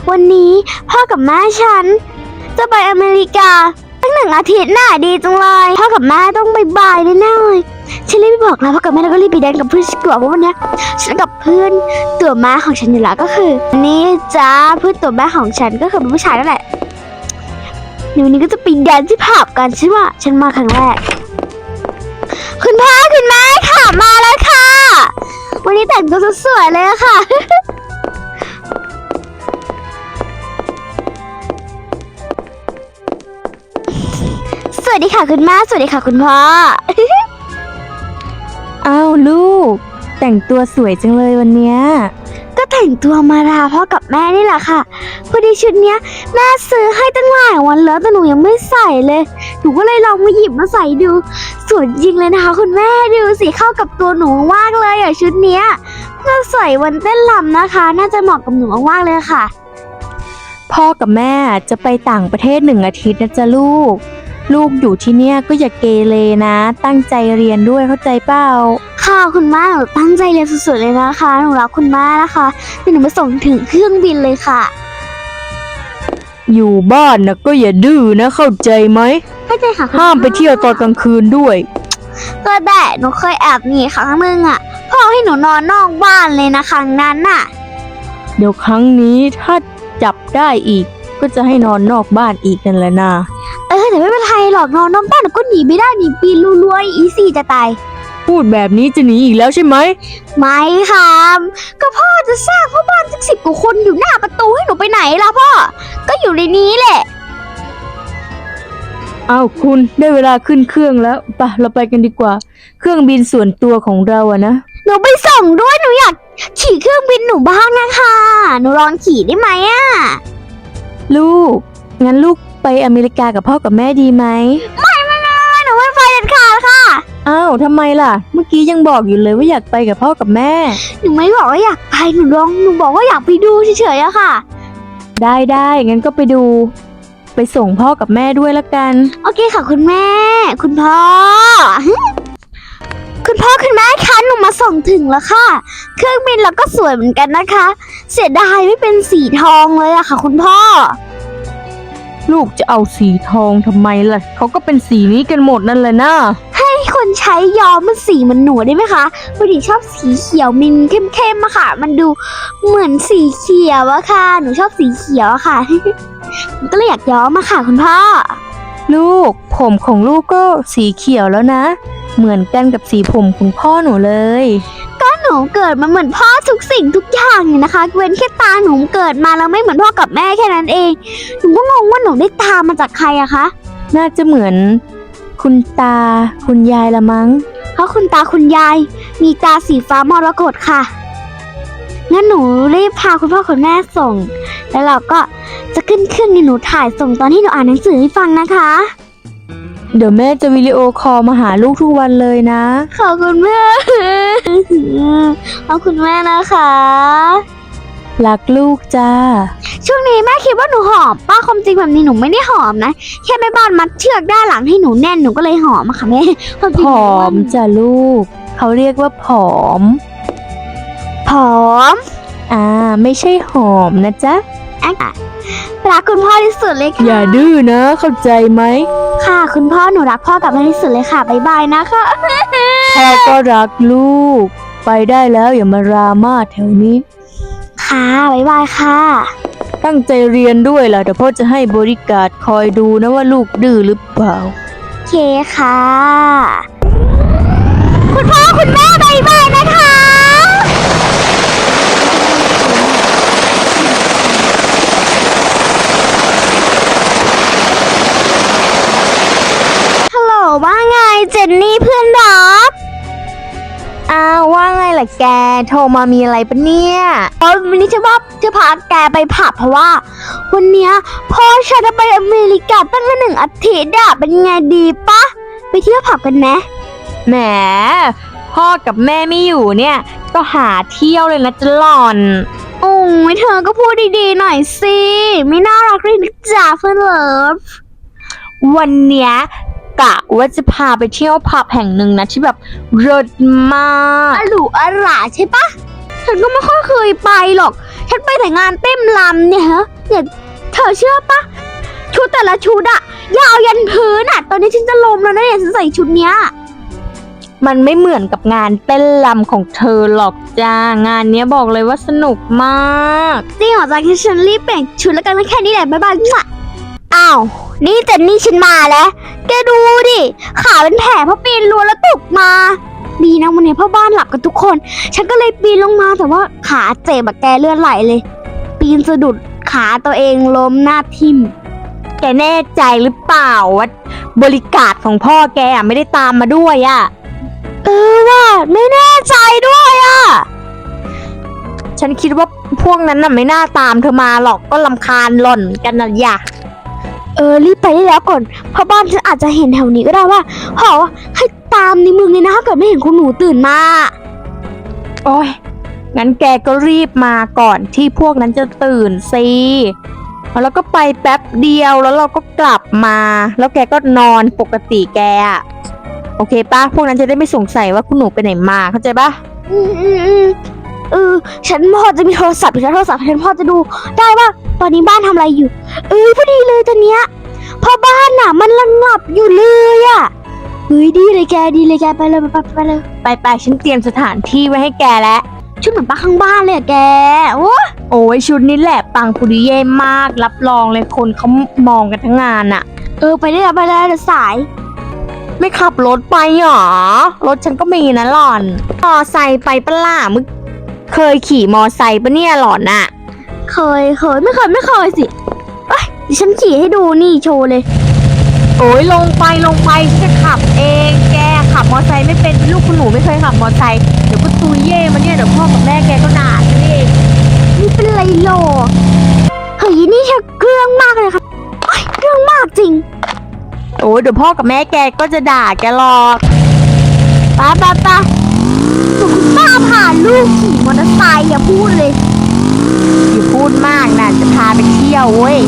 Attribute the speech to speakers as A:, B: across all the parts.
A: วันนี้พ่อกับแม่ฉันจะไปอเมริกาตั้ง1 อาทิตย์น่ะดีจังเลยพ่อกับแม่ต้องบายแน่ๆเลยฉันรีบไปบอกแล้วพ่อกับแม่แล้วก็รีบไปแดนกับเพื่อนฉันกลัวเพราะวันนี้ฉันกับเพื่อนตัวแม่ของฉันอยู่แล้วก็คือนี่จ้าเพื่อนตัวแม่ของฉันก็คือเป็นผู้ชายนั่นแหละเดี๋ยววันนี้ก็จะไปแดนที่ผับกันฉันมาครั้งแรกคุณพ่อคุณแม่ค่ะมาแล้วค่ะวันนี้แต่งตัวสวยๆเลยค่ะ สวัสดีค่ะคุณแม่สวัสดีค่ะคุณพ่อ
B: อ้าวลูก แต่งตัวสวยจังเลยวันเนี้ย
A: ก็แต่งตัวมาลาพ่อกับแม่นี่แหละค่ะพอดีชุดเนี้ยแม่ซื้อให้ตั้งหลายวันแล้วแต่หนูยังไม่ใส่เลยหนูก็เลยลองมาหยิบมาใส่ดูสวยจริงเลยนะคะคุณแม่ดูสิเข้ากับตัวหนูมากเลยอ่ะชุดเนี้ยน่าใส่วันเต้นรำนะคะ น่าจะเหมาะกับหนูมากๆเลยค่ะ
B: พ่อกับแม่จะไปต่างประเทศ1 อาทิตย์นะจ๊ะลูก ลูกอยู่ที่เนี่ยก็อย่าเกเรนะ ตั้งใจเรียนด้วยเข้าใจเปล่า
A: ค่ะคุณแม่หนูตั้งใจเรียนสุดๆเลยนะคะหนูรักคุณแม่นะคะเดี๋ยวหนูมาส่งถึงเครื่องบินเลยค่ะ
B: อยู่บ้านนะก็อย่าดื้อนะเข้าใจไหม
A: เข้าใจค่ะคุณ
B: ห้ามไปเที่ยวตอนกลางคืนด้วย
A: ก็ได้หนูเคยแอบหนีครั้งนึงอ่ะพ่อให้หนูนอนนอกบ้านเลยนะครั้งนั้นน่ะ
B: เดี๋ยวครั้งนี้ถ้าจับได้อีกก็จะให้นอนนอกบ้านอีกนั่นแหละนะ
A: แต่ไม่เป็นไรหรอกนอนนอกบ้านหนูก็หนีไม่ได้หนีปีนรัวๆอีซี่จะตาย
B: พูดแบบนี้จะหนีอีกแล้วใช่ไหม
A: ไม่ค่ะก็พ่อจะสร้างพ่อบ้านสัก10 กว่าคนอยู่หน้าประตูให้หนูไปไหนล่ะพ่อก็อยู่ในนี้แหละ
B: อ้าวคุณได้เวลาขึ้นเครื่องแล้วไปเราไปกันดีกว่า เครื่องบินส่วนตัวของเราอะนะ
A: หนูไปส่งด้วยหนูอยากขี่เครื่องบินหนูบ้างนะคะหนูลองขี่ได้ไหมอ่ะ
B: ลูก งั้นลูกไปอเมริกากับพ่อกับแม่ดีไหม
A: ไม่หนูไม่ไปเด็ดขาดค่ะ
B: อ้าวทำไมล่ะ เมื่อกี้ยังบอกอยู่เลยว่าอยากไปกับพ่อกับแม่
A: หนูไม่บอกว่าอยากไปหนูบอกว่าอยากไปดูเฉยๆอะค่ะ
B: ได้งั้นก็ไปดู ไปส่งพ่อกับแม่ด้วยละกัน
A: โอเคค่ะคุณแม่ คุณพ่อ คุณพ่อคุณแม่คะหนูมาส่งถึงแล้วค่ะ เครื่องบินเราก็สวยเหมือนกันนะคะ เสียดายไม่เป็นสีทองเลยอะค่ะ คุณพ่อ
B: ลูกจะเอาสีทองทำไมล่ะ เขาก็เป็นสีนี้กันหมดนั่นแหละนะ
A: ให้คนใช้ย้อมมันสีมันหนูได้ไหมคะพอดีชอบสีเขียวมินเข้มๆอะค่ะ มันดูเหมือนสีเขียวอะค่ะ หนูชอบสีเขียวอะค่ะ หนูก็เลยอยากย้อมมาค่ะ คุณพ่อ
B: ลูก ผมของลูกก็สีเขียวแล้วนะ เหมือนกันกับสีผมของพ่อหนูเลย
A: หนูเกิดมาเหมือนพ่อทุกสิ่งทุกอย่างเลยนะคะเว้นแค่ตาหนูเกิดมาแล้วไม่เหมือนพ่อกับแม่แค่นั้นเองหนูก็งงว่าหนูได้ตามาจากใครอะคะ
B: น่าจะเหมือนคุณตาคุณยายละมั้ง
A: เพราะคุณตาคุณยายมีตาสีฟ้ามรกตค่ะงั้นหนูรีบพาคุณพ่อคุณแม่ส่ง แล้วเราก็จะขึ้นเครื่องหนูถ่ายส่งตอนที่หนูอ่านหนังสือให้ฟังนะคะ
B: เดี๋ยวแม่จะวิดีโอคอลมาหาลูกทุกวันเลยนะ
A: ขอบคุณแม่ ขอบคุณแม่นะคะ
B: รักลูกจ้า
A: ช่วงนี้แม่คิดว่าหนูหอมป้าความจริงแบบนี้หนูไม่ได้หอมนะแค่แม่บ้านมัดเชือกด้านหลังให้หนูแน่นหนูก็เลยหอมอะค่ะแม่ความจริ
B: ผ
A: งหนู
B: อ
A: ว่าม
B: จ้ะลูก เขาเรียกว่าผอม
A: ผอม
B: ไม่ใช่หอมนะจ๊ะ
A: รักคุณพ่อที่สุดเลยค่ะ
B: อย่าดื้อนะเข้าใจไหม
A: ค่ะคุณพ่อหนูรักพ่อกับแม่ที่สุดเลยค่ะบ๊ายบายนะคะ
B: พ่อก็รักลูก ไปได้แล้วอย่ามารามาแถวนี้
A: ค่ะบ๊ายบายค่ะ
B: ตั้งใจเรียนด้วยล่ะเดี๋ยวพ่อจะให้บริการคอยดูนะว่าลูกดื้อหรือเปล่า
A: โอเคค่ะ คุณพ่อคุณแม่บ๊ายบายนะคะ ฮัลโหลว่าไงเจนนี่เพื่อนรัก
B: อ้าวว่าไงล่ะแก โทรมามีอะไรปะเนี่ย
A: วันนี้จะพาแกไปผับเพราะว่า วันเนี้ยพ่อฉันจะไปอเมริกาตั้งแต่1 อาทิตย์อะเป็นไงดีปะไปเที่ยวผับกันไหม
B: แหม พ่อกับแม่ไม่อยู่เนี่ย ก็หาเที่ยวเลยนะจะหล่อน
A: โอ้ยเธอก็พูดดีๆหน่อยสิไม่น่ารักเลยนะจ๊ะเพื่อนเลิฟ
B: วันเนี้ยกะว่าจะพาไปเที่ยวผับแห่งหนึ่งนะที่แบบเลิศมาก
A: อหรูอร่าใช่ปะฉันก็ไม่ค่อยเคยไปหรอกฉันไปแต่งานเต้นรำเนี่ยฮะเนี่ยเธอเชื่อปะชุดแต่ละชุดอะยาวยันพื้นอะตอนนี้ฉันจะล้มแล้วนะเนี่ยฉันใส่ชุดเนี้ย
B: มันไม่เหมือนกับงานเต้นรำของเธอหรอกจ้างานเนี้ยบอกเลยว่าสนุกมาก
A: จริงเหรอจ๊ะงั้นฉันรีบเปลี่ยนชุดแล้วกันแค่นี้แหละบ๊ายบายมั่วอ้าวนี่เจนนี่ฉันมาแล้วแกดูดิขาเป็นแผลเพราะปีนรั้วแล้วตกมาดีนะวันนี้พ่อบ้านหลับกันทุกคน ฉันก็เลยปีนลงมาแต่ว่าขาเจ็บแบบแกเลือดไหลเลย ปีนสะดุดขาตัวเองล้มหน้าทิ่ม
B: แกแน่ใจหรือเปล่าว่าบริการของพ่อแกอะไม่ได้ตามมาด้วยอะ
A: ว่าไม่แน่ใจด้วยอ่ะ
B: ฉันคิดว่าพวกนั้นน่ะไม่น่าตามเธอมาหรอกก็รำคาญหล่อนกันนะอย่า
A: รีบไปได้แล้วก่อนเพราะบ้านฉันอาจจะเห็นแถวนี้ก็ได้ว่าพ่อว่าให้ตามในเมืองเลยนะถ้าเกิดไม่เห็นคุณหนูตื่นมา
B: โอ้ยงั้นแกก็รีบมาก่อนที่พวกนั้นจะตื่นสิแล้วก็ไปแป๊บเดียวแล้วเราก็กลับมา แล้วแกก็นอนปกติแกอะโอเคปะพวกนั้นจะได้ไม่สงสัยว่าคุณหนูไปไหนมาเข้าใจปะ
A: ฉันพอจะมีโทรศัพท์ฉันพอจะดูได้ว่าตอนนี้บ้านทำอะไรอยู่พอดีเลยตอนเนี้ยพอบ้านน่ะมันระงับอยู่เลยอ่ะดีเลยแกไปเลยไปเลย
B: ไปฉันเตรียมสถานที่ไว้ให้แกแล้ว
A: ชุดเหมือนป้าข้างบ้านเลยอะแก
B: โอ้ยชุดนี้แหละปังปุริเย่มากรับรองเลยคนเขามองกันทั้งงานอะ
A: ไปได้แล้วเดี๋ยวสาย
B: ไม่ขับรถไปหรอรถฉันก็มีนะหล่อนมอไซค์ไปปะล่ะมึงเคยขี่มอไซค์ปะเนี่ยหล่อนอะ
A: เคยไม่เคยสิดิฉันขี่ให้ดูนี่โชว์เลย
B: โอ้ยลงไปฉันจะขับเองแกขับมอไซค์ไม่เป็นลูกคุณหนูไม่เคยขับมอไซค์เดี๋ยวก็ตุยเย่มาเนี่ยเดี๋ยวพ่อกับแม่แกก็ด่าฉันเอง
A: นี่เป็นไรโลเฮ้ยนี่เธอเครื่องมากเลยครับเครื่องมากจริง
B: โอ้ยเดี๋ยวพ่อกับแม่แกก็จะด่าแกหรอก
A: ป้าคุณป้าพาลูกขี่มอเตอร์ไซค์อย่าพูดเลย
B: อย่าพูดมากนะจะพาไปเที่ยวเว้ย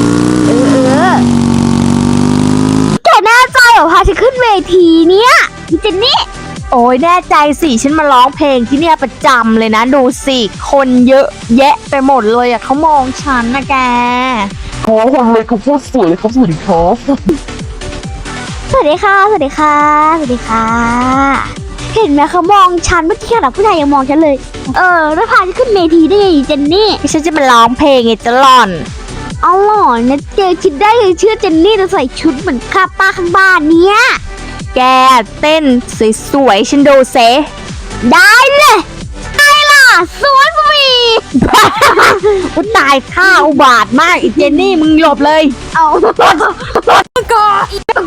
A: แกแน่ใจเหรอพาฉันขึ้นเวทีเนี้ยพี่เจนนี่
B: โอ้ยแน่ใจสิฉันมาร้องเพลงที่เนี่ยประจำเลยนะดูสิคนเยอะแยะไปหมดเลยอะเขามองฉันนะแก
C: ขอวันเลยครับพูดสวยเลยครับสวัสดีครับ
A: สวัสดีค่ะ เห็นไหมเขามองฉันเมื่อกี้ขนาดผู้ชายยังมองฉันเลยแล้วพาฉันขึ้นเวทีได้ไงเจนนี่
B: ฉันจะมาร้องเพลงไงจะหล่อน
A: เอาหล่อนะเจอคิดได้เลยเชื่อเจนนี่จะใส่ชุดเหมือนข้าป้าข้างบ้านเนี้ย
B: แกเต้นสวยๆฉันดูเซ
A: ได้เลยได้ล่ะสวยฟรี
B: อุยตายข้าอุบาทมากอีเจนนี่มึงหลบเลย
A: เอา
B: ก่อน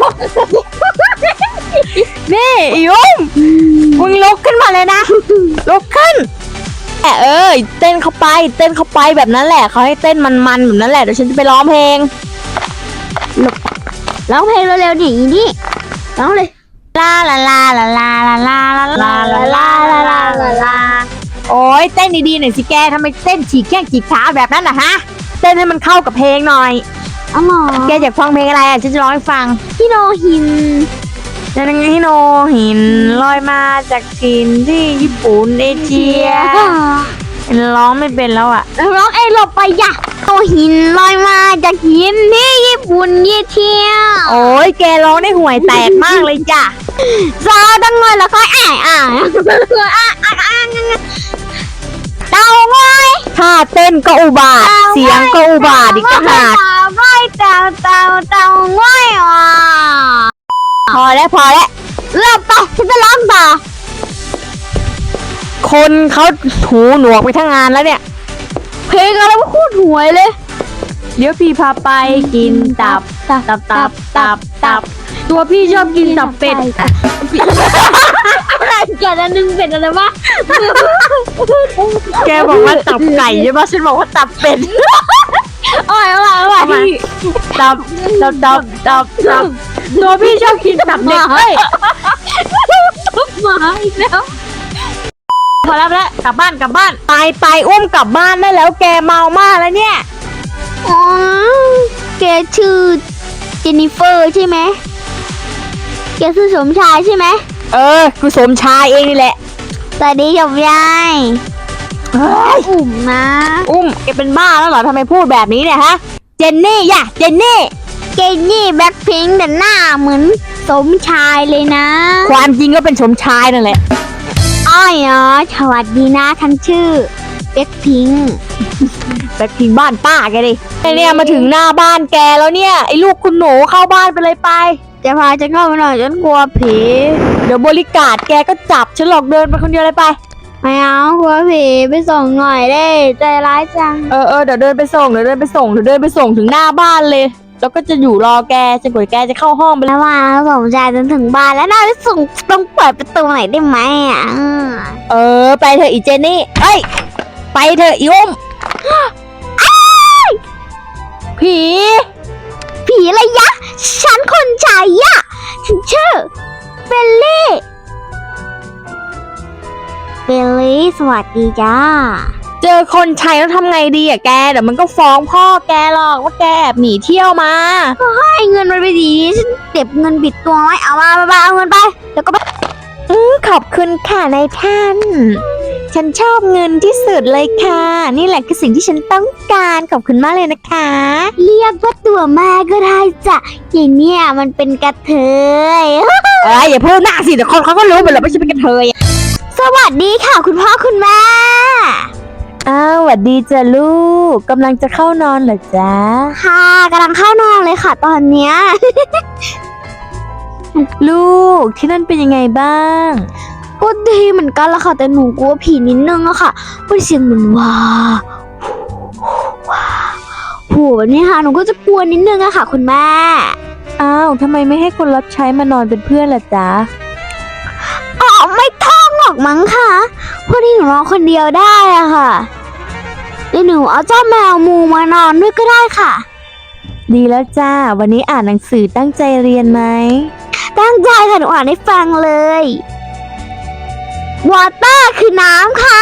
B: นี่อีอุ้มมึงลุกขึ้นมาเลยนะลุกขึ้นเต้นเข้าไปแบบนั้นแหละเขาให้เต้นมันๆแบบนั้นแหละเดี๋ยวฉันจะไปร้องเพลง
A: ร้องเพลงเร็วๆดินี่ร้องเลย
B: ลาลาลาลาลาลาลาลาลาลาลาลาลาลาลาโอ้ยเต้นดีๆหน่อยสิแกทำไมเต้นฉีกแข้งฉีกขาแบบนั้นนะฮะเต้นให้มันเข้ากับเพลงหน่อย
A: อ๋อเหรอ
B: แกอยากฟังเพลงอะไรอ่ะฉันจะร้องให้ฟัง
A: พี่โนหิน
B: จะยังไงให้โนหินลอยมาจากถิ่นที่ญี่ปุ่นเอเชียร้องไม่เป็นแล้วอ่ะ
A: ร้องเองหลบไปอย่าโนหินลอยมาจากหินที่ญี่ปุ่นยี่เที่ยว
B: โอ้ยแกร้องได้ห่วยแตกมากเลยจ้ะ
A: ซาดังเงินแล้วค่อยเต่าง่อย
B: ท่าเต้นก็อุบาทเสียงก็อุบาทอีกต่างหาก
A: เต่าง่อยอ่ะ
B: พอแล้ว
A: เริ่มไปฉันจะร้องต่อ
B: คนเขาหูหนวกไปทั้งงานแล้วเนี่ย
A: เพลงอะไรวะพูดหวยเลย
B: เดี๋ยวพี่พาไปกินตับ ตัวพี่ชอบกินตับเป็ด
A: อะไรกันอันนึงเป็นอะไรวะ
B: แกบอกว่าตับไก่ใช่ปะฉันบอกว่าตับเป็ด
A: เอาใหม่
B: ตับตัวพี่ชอบกินตับเด็กเฮ้ย
A: มาอีกแล้ว
B: พอแล้วกลับบ้านไปอุ้มกลับบ้านได้แล้วแกเมามากแล้วเนี่ย
A: อ๋อแกชื่อเจนนิเฟอร์ใช่ไหมแกชื่อสมชายใช่ไหม
B: กูสมชายเองนี่แหละ
A: สวัสดีจบยายอุ่มนะ
B: อุ้มแกเป็นบ้าแล้วเหรอทำไมพูดแบบนี้เนี่ยฮะ เจนนี่ย่ะเจนนี่
A: เจนนี่แบล็คพิงค์แต่หน้าเหมือนสมชายเลยนะ
B: ความจริงก็เป็นสมชายนั่นแหละ
A: อ้อยอ๋อสวัสดีนะฉันชื่อแบล็คพิงค์
B: แบล็คพิงค์บ้านป้าแกดิไอเนี่ยมาถึงหน้าบ้านแกแล้วเนี่ยไอ้ลูกคุณหนูเข้าบ้านไปเลยไป
A: จะพาฉันเข้าไปหน่อยฉันกลัวผี
B: เดี๋ยวบริการแกก็จับฉันหลอกเดินไปคนเดียวเลยไป
A: ไม่เอากลัวผีไปส่งหน่อยได้ใจร้ายจัง
B: เออเดี๋ยวเดินไปส่งเดี๋ยวเดินไปส่งถึงหน้าบ้านเลย แล้วก็จะอยู่รอแกจนกว่าแกจะเข้าห้องไปแล้ว
A: แล้วว่าสมชายจนถึงบ้านแล้วน่าจะส่งต้องเปิดประตูหน่อยได้ไหมอ่ะ
B: เออไปเถอะอีเจนนี่เอ้ยไปเถอะอีอุ้มผี
A: ผีอะไรยะ ฉันคนชายยะฉันชื่อเบลลี่เบลลี่สวัสดีจ้า
B: เจอคนใช้แล้วทำไงดีอะแกเดี๋ยวมันก็ฟ้องพ่อแกหรอกว่าแกแอบหนีเที่ยวมา
A: ให้เงินมันไปดีฉันเก็บเงินบิดตัวไว้เอามาเอาเงินไปแล้วก็ไป
B: ขอบคุณค่ะนายท่าน ฉันชอบเงินที่สุดเลยค่ะ นี่แหละคือสิ่งที่ฉันต้องการขอบคุณมากเลยนะคะ
A: เรียกว่าตัวแม่ก็ได้จ้ะอย่างเนี้ยมันเป็นกระเทย
B: อย่าพูดหน้าสิเดี๋ยวคนเขาก็รู้หมดแล้วว่าฉันเป็นกระเทย
A: สวัสดีค่ะคุณพ่อคุณแม่
B: อ้าวสวัสดีจ้ะลูกกำลังจะเข้านอนเหรอจ๊ะ
A: ค่ะกำลังเข้านอนเลยค่ะตอนเนี้ย
B: ลูกที่นั่นเป็นยังไงบ้าง
A: ก็ดีเหมือนกันละค่ะแต่หนูกลัวผีนิดนึงอะค่ะเพราะเสียงเหมือนว้าโหแบบนี้ค่ะหนูก็จะกลัวนิดนึงอะค่ะคุณแม่
B: อ้าวทำไมไม่ให้คนรับใช้มานอนเป็นเพื่อนล่ะจ๊ะ
A: อ๋อไม่ท่องหรอกมั้งค่ะพอดีหนูนอนคนเดียวได้อะค่ะเดี๋ยวหนูเอาเจ้าแมวมูมานอนด้วยก็ได้ค่ะ
B: ดีแล้วจ้าวันนี้อ่านหนังสือตั้งใจเรียนไหม
A: ตั้งใจค่ะหนูอ่านให้ฟังเลยวอเตอร์คือน้ำค่ะ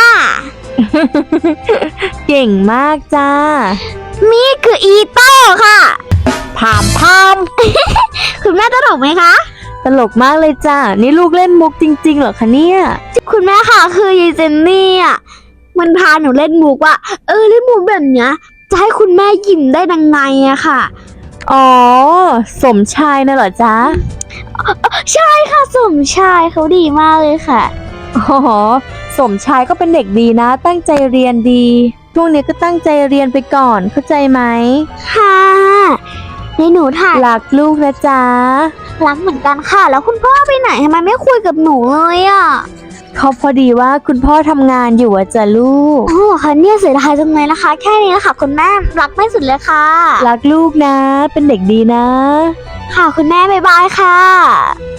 B: เก่งมากจ้า
A: มีดคืออีโต้ค่ะ
B: พามพาม
A: คุณแม่ตลกไหมคะ
B: ตลกมากเลยจ้านี่ลูกเล่นมุกจริงๆเหรอคะเนี่ย
A: คุณแม่ค่ะคือยายเจนนี่อ่ะมันพาหนูเล่นมุกว่าเล่นมุกแบบเนี้ยจะให้คุณแม่ยิ้มได้ยังไงอะค่ะ
B: อ๋อสมชายน่ะเหรอจ๊ะ
A: ใช่ค่ะสมชายเขาดีมากเลยค่ะ
B: อ๋อสมชายก็เป็นเด็กดีนะ ตั้งใจเรียนดีช่วงนี้ก็ตั้งใจเรียนไปก่อนเข้าใจไหม
A: ค่ะในหนูถ่าย
B: รักลูกนะจ๊ะ
A: รักเหมือนกันค่ะ แล้วคุณพ่อไปไหนทำไมไม่คุยกับหนูเลยอ่ะ
B: เขาพอดีว่าคุณพ่อทำงานอยู่อะจ้ะลูก
A: โอ้ค่ะเนี่ยเสียดายจังเลยนะคะ แค่นี้นะคะคุณแม่รักไม่สุดเลยค่ะ
B: รักลูกนะ เป็นเด็กดีนะ
A: ค่ะคุณแม่บ๊ายบายค่ะ